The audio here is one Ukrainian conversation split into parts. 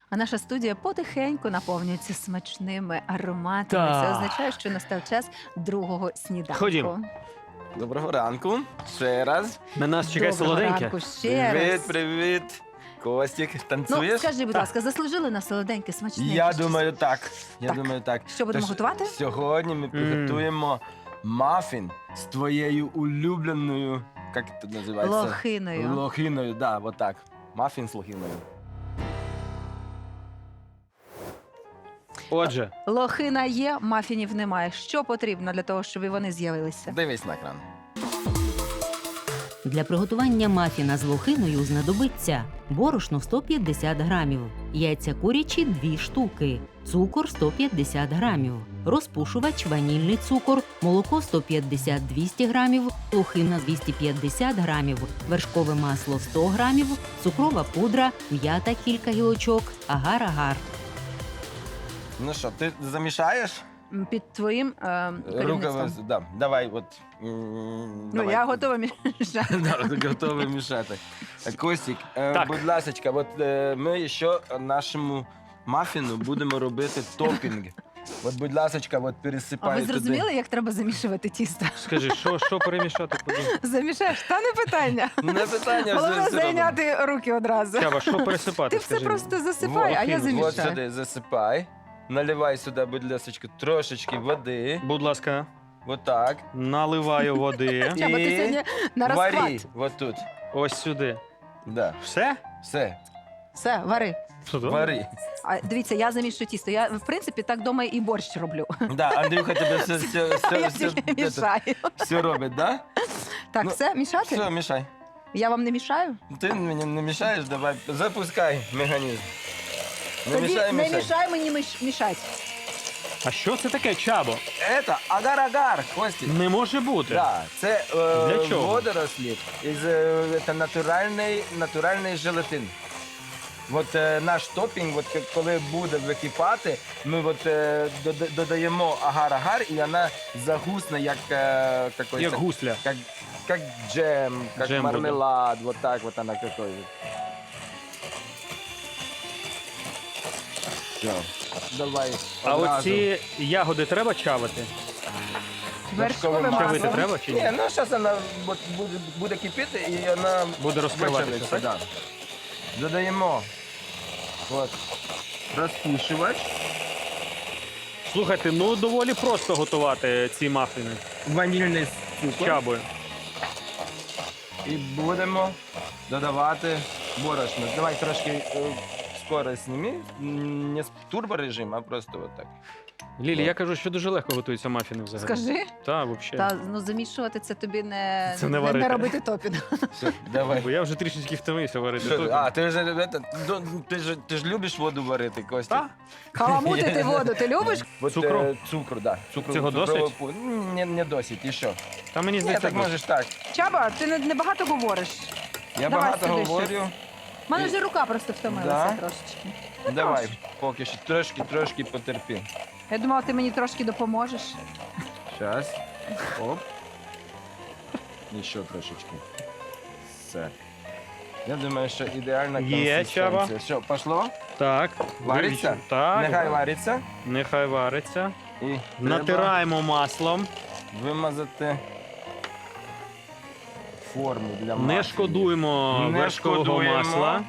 А наша студія потихеньку наповнюється смачними ароматами. Це Так. означає, що настав час другого сніданку. Ходімо. Доброго ранку. Ще раз. На нас чекає Доброго солоденьке. ранку ще Привіт, раз. привіт. Костік, Ну, танцюєш? скажи, будь Так. ласка, заслужили на солоденьке, смачненьке? Я щось? думаю, так. Я Так. думаю, так. Що будемо Тож готувати? Сьогодні ми приготуємо мафін з твоєю улюбленою, як це називається? Лохиною. Лохиною, да, вот так. Мафін з лохиною. Отже, Лохина є, мафінів немає. Що потрібно для того, щоб і вони з'явилися? Дивись на екран. Для приготування мафіна з лохиною знадобиться борошно 150 грамів, яйця курячі 2 штуки, цукор 150 грамів, розпушувач ванільний цукор, молоко 150-200 грамів, лохина 250 грамів, вершкове масло 100 грамів, цукрова пудра, м'ята кілька гілочок, агар-агар. Ну що, ти замішаєш? Під твоїм керівництвом. Да. Давай, от. Ну, давай. я готова мішати. Да, ти готовий мішати. Костік, Так. будь ласка, от ми ще нашому мафіну будемо робити топінг. От, будь ласка, от А пересипай ви туди. зрозуміли, як треба замішувати тісто? скажи, що перемішати куди? Замішаєш? Та не питання. Не питання, Головне все робимо. зайняти руки одразу. Чаба, що пересипати? Ти все скажи? просто засипай, а я Лохину. От замішаю. сюди засипай. Наливай сюди, будь ласка, трошечки води. Будь ласка, Вот так. наливаю води. Чаба, ти І сьогодні на Варі, розклад. вот тут. Ось сюди. Да. Все? Все, Все, вари. Чудово. вари. А дивіться, я замішую тісто. Я, в принципі, так дома і борщ роблю. Да, Андрюха тебе А я тільки мішаю. все робить, да? Так, Ну, все, мішати? Все, мішай. Я вам не мішаю? Ти мені не мішаєш, давай, запускай механізм. Не Тоді мішай, не мішай. мішай мені мішати. А що це таке, Чабо? Это агар-агар, Костік. Не може бути. Да, це Для чого? водорослі, це натуральний желатин. От наш топінг, коли буде википати, ми додаємо агар-агар, і вона загусне, як какой-то... Як гусля. Как джем, как Джем мармелад, вот так вот она какой. Все. Давай. А одразу. оці ягоди треба чавити? Вершкове Вершкове Чавити масло. треба чи ні? Ні, ну зараз вона буде кипіти і вона Буде розкриватися, вичавиться, так? да. Додаємо от, розпушувач. Слухайте, ну доволі просто готувати ці мафіни Ванільний з цукор. чабою. І будемо додавати борошно. Давай трошки скорость зніми. Не з турборежим, а просто от так. Лілі, я кажу, що дуже легко готуються мафіни взагалі. Скажи. Так, взагалі. Та ну замішувати це тобі не, Це не варити. робити топінг. Все, давай. Бо я вже трішечки втомився варити. Що, тут. а, ти ж, ти ж любиш воду варити, Костя? Та? Халамутити воду ти любиш? От, Цукру? Цукру, да. Цього досить? Не досить, і що? Та мені Ні, здається, так можеш так. Чаба, ти не багато говориш. Я Давай багато сюди говорю. У мене вже рука просто втомилася Да? трошечки. Давай, поки що трошки потерпи. Я думала, ти мені трошки допоможеш. Зараз. Оп. І ще трошечки. Все. Я думаю, що ідеальна Є, Чаба. консистенція. Що, пішло? Так. Вариться? вивіч- Так. Нехай вариться. Нехай вариться. І треба Натираємо маслом. вимазати форму для Не мафії. шкодуємо Не вершкового шкодуємо. масла.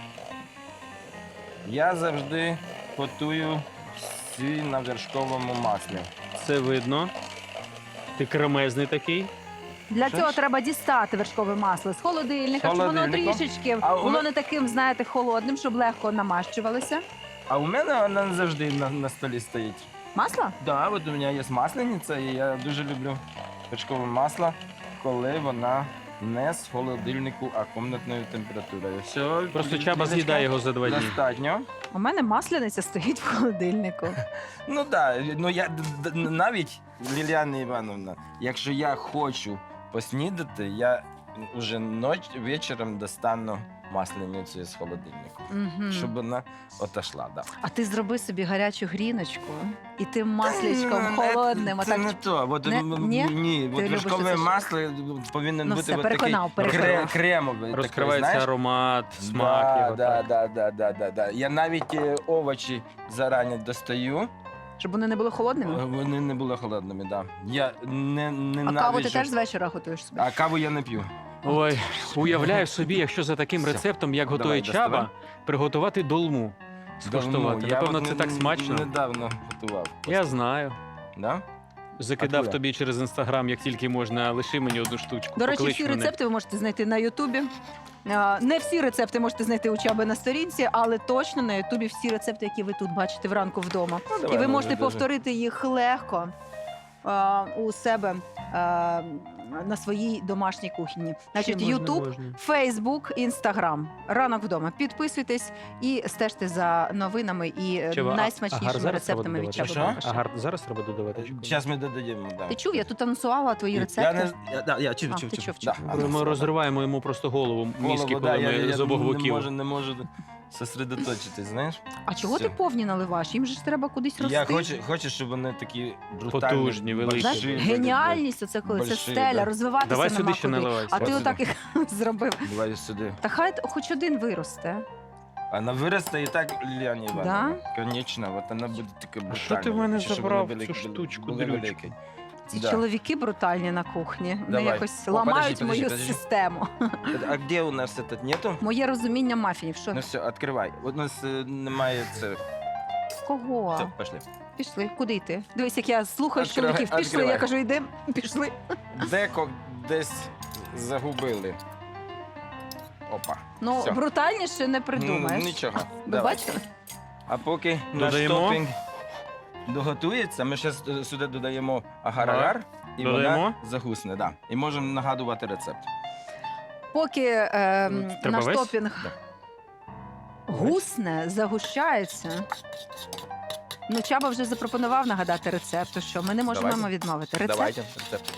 Я завжди готую всі на вершковому маслі. Це видно. Ти кремезний такий. Для Що цього ж? треба дістати вершкове масло з холодильника, щоб воно Холодильником. трішечки А у було мене- не таким, знаєте, холодним, щоб легко намащувалося. А у мене вона завжди на столі стоїть. Масло? Да, от у мене є маслениця, і я дуже люблю вершкове масло, коли вона не з холодильнику, а комнатною температурою. Все, Просто Чаба з'їдає його за 2 дні. Достатньо. У мене масляниця стоїть в холодильнику. Ну так, ну я навіть, Ліліана Івановна, якщо я хочу поснідати, я вже вечором достану масленицю з холодильника. Мгм. Щоб вона отошла, да. А ти зроби собі гарячу гріночку і тим маслячком холодним. Це отак не то. От, Ні? ні, Ти от любиш вершкове оце, що- масло повинен Ну бути все, от такий переконав. кремовий. такий, Розкривається знаєш? аромат, смак його. Да, так. да. Я навіть овочі зарані достаю, Щоб вони не були холодними. вони не були холодними, да. Я не А каву ти теж з вечора готуєш собі? А каву я не п'ю. Ой, уявляю собі, якщо за таким Все. рецептом, як готує Давай, Чаба, доставай. приготувати долму. Скуштувати. Я Напевно, от це так смачно. Недавно готував. Я знаю. Да? Закидав Откуда? тобі через інстаграм, як тільки можна, лиши мені одну штучку. До речі, поклич всі мене. рецепти ви можете знайти на Ютубі. Не всі рецепти можете знайти у Чаби на сторінці, але точно на Ютубі всі рецепти, які ви тут бачите вранку вдома. Ну, давай, І ви може, можете даже. повторити їх легко у себе на своїй домашній кухні. Значить, Ще можна, Ютуб, можна. Фейсбук, Інстаграм. Ранок вдома. Підписуйтесь і стежте за новинами і Чаба, найсмачнішими зараз треба рецептами від додавати? Чаби Що? Бабаша. Агар зараз треба додавати. Зараз ми додаємо. Да. Ти чув, я тут анонсувала твої рецепти. Я чув, А, чув, ти чув. чув. Ми розриваємо йому просто голову мізки, Голову, коли да, ми я з обох боків. Не можу сосредоточитись, знаєш? А чого Все. ти повні наливаєш? Їм же ж треба кудись рости. Я хочу, щоб вони такі брутальні, Потужні, великі. Знаєш, больші, геніальність оце коли це Больші, стеля, да. розвиватися Давай нема сюди ще куди. наливай. А ти От отак їх зробив. Давай сюди. Та хай хоч один виросте. Вона виросте і так, Ліані Да? Івановна. Конечно, от вона буде така брутальна. що ти в мене Щоб забрав вони цю були штучку, великі. дрючку? Ці Да. чоловіки брутальні на кухні. Вони Давай. якось О, ламають подожди, мою подожди. систему. А де у нас этот нету? Моє розуміння мафінів. Що? Ну все, відкривай. От у нас немає це. Кого? Все, пішли. Пішли. Куди йти? Дивись, як я слухаю Відкривай, чоловіків. Пішли, відкривай. я кажу, йди. Пішли. Деко десь загубили. Опа. Ну, Все. брутальніше не придумаєш. Нічого. Ви Давай. бачили? А поки наш Додаємо? топінг доготується, ми ще сюди додаємо агар-агар, і Додаємо? вона загусне. Да. І можемо нагадувати рецепт. Поки Треба наш весь? топінг Да. гусне, загущається. Ну, Чаба вже запропонував нагадати рецепт, то що ми не можемо Давайте. йому відмовити. Рецепт? Давайте рецепт.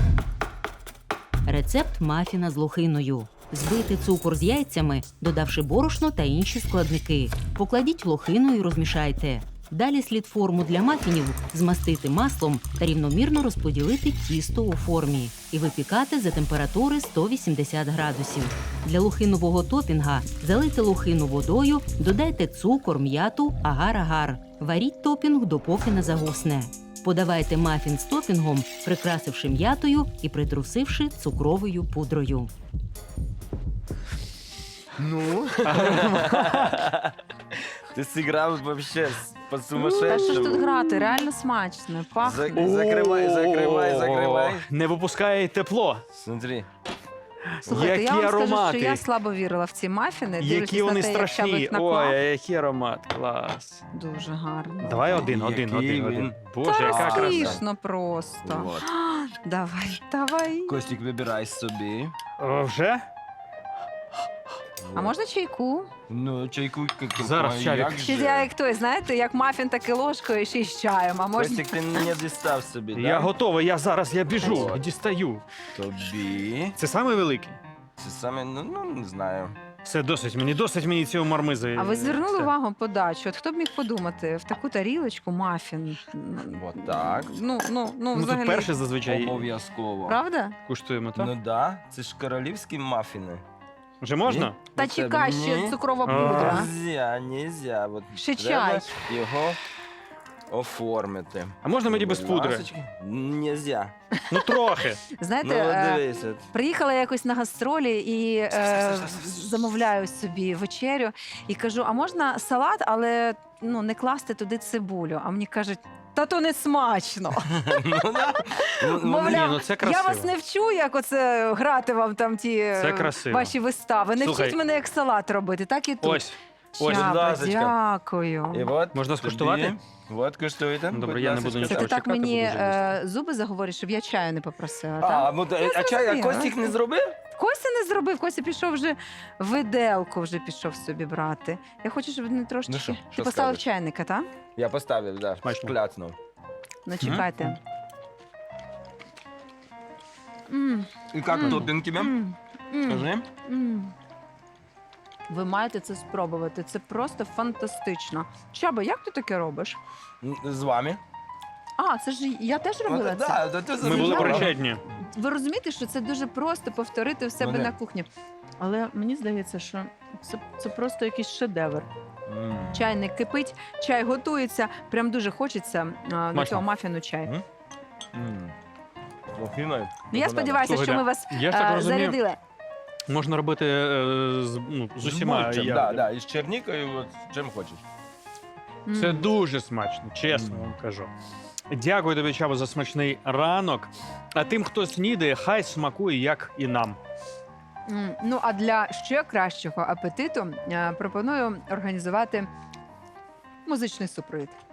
Рецепт мафіна з лохиною. Збийте цукор з яйцями, додавши борошно та інші складники. Покладіть лохину і розмішайте. Далі слід форму для мафінів змастити маслом та рівномірно розподілити тісто у формі і випікати за температури 180 градусів. Для лохинового топінга залийте лохину водою, додайте цукор, м'яту, агар-агар. Варіть топінг, допоки не загусне. Подавайте мафін з топінгом, прикрасивши м'ятою і притрусивши цукровою пудрою. Ну? Ти зіграв вообще Та що ж тут по-сумасшедшему. грати? Реально смачно, пахне. Закривай. Не випускає тепло. Смотри. Слухайте, Які я вам скажу, аромати. що я слабо вірила в ці мафіни. Які дивлячись вони на те, як Чаба страшні. їх наклав. Ой, який аромат. Клас. Дуже гарно. Давай один. Який він. один. Боже, Та яка краса. розкішно просто. Вот. Давай. Костік, вибирай собі. О, вже? А можна чайку? Ну, чайку. Зараз, Чавік. як Ще же? я як той, знаєте, як мафін, так і ложкою, ще й з чаєм. А можна Костік, ти не дістав собі, Я да? готовий, я біжу, От. дістаю. Тобі. Це самий великий? Це саме, ну, не знаю. Все, досить мені цього мармизи. А ви звернули Все. увагу подачу? От хто б міг подумати, в таку тарілочку мафін. Вот так. Ну, Ну, тут взагалі. перше зазвичай Обов'язково. Правда? куштуємо, так? Ну да, це ж королівські мафіни. Вже можна? Та Оце чекай, мені ще цукрова А. пудра. Нельзя. От Ще треба чай. його оформити. А можна мені без Будь пудри? ласочка. Нельзя. Ну трохи. Знаєте, Ну, от дивись. от. приїхала я якось на гастролі і замовляю собі вечерю і кажу: а можна салат, але не класти туди цибулю. А мені кажуть, та то не смачно. Ну, да. Ну, Мовляв, Ні, ну це я красиво. вас не вчу, як оце грати вам там ті Це красиво. ваші вистави. Не Слухай. вчіть мене як салат робити, так і тут. Ось. Чаба, будь ласочка. дякую. І от Можна тобі. скуштувати? От куштуйте. Ну, добре, будь я не ласочка. буду Це нічого ти так чекати, мені буду вже їсти. зуби заговориш, щоб я чаю не попросила, А, так? ну, а чай, а зрозуміла. Костік не зробив? Костя не зробив, Костя пішов вже виделку вже пішов собі брати. Я хочу, щоб не трошечки... Ну що, Ти що поставив скажеш? чайника, так? Я поставив, да. Смачно. Кляцнув. Ну чекайте. М, І як М. топінг тебе? м, м, Скажи. м. Ви маєте це спробувати. Це просто фантастично. Чаба, як ти таке робиш? З вами. А, це ж я теж робила це. Да, ти Ми завжди були робила. причетні. Ви розумієте, що це дуже просто повторити в себе Мене- на кухні. Але мені здається, що це просто якийсь шедевр. Чайник кипить, чай готується. Прям дуже хочеться до Смачно. цього мафіну чай. Лохіною. Ну, я сподіваюся, що ми вас Я ж так розумію, зарядили. можна робити з усіма будь-чим, ягодами. да, і з чернікою, от, чим хочеш. Це М. дуже смачно, чесно вам кажу. Дякую тобі, Чабо, за смачний ранок. А тим, хто снідає, хай смакує, як і нам. Ну, а для ще кращого апетиту пропоную організувати музичний супровід.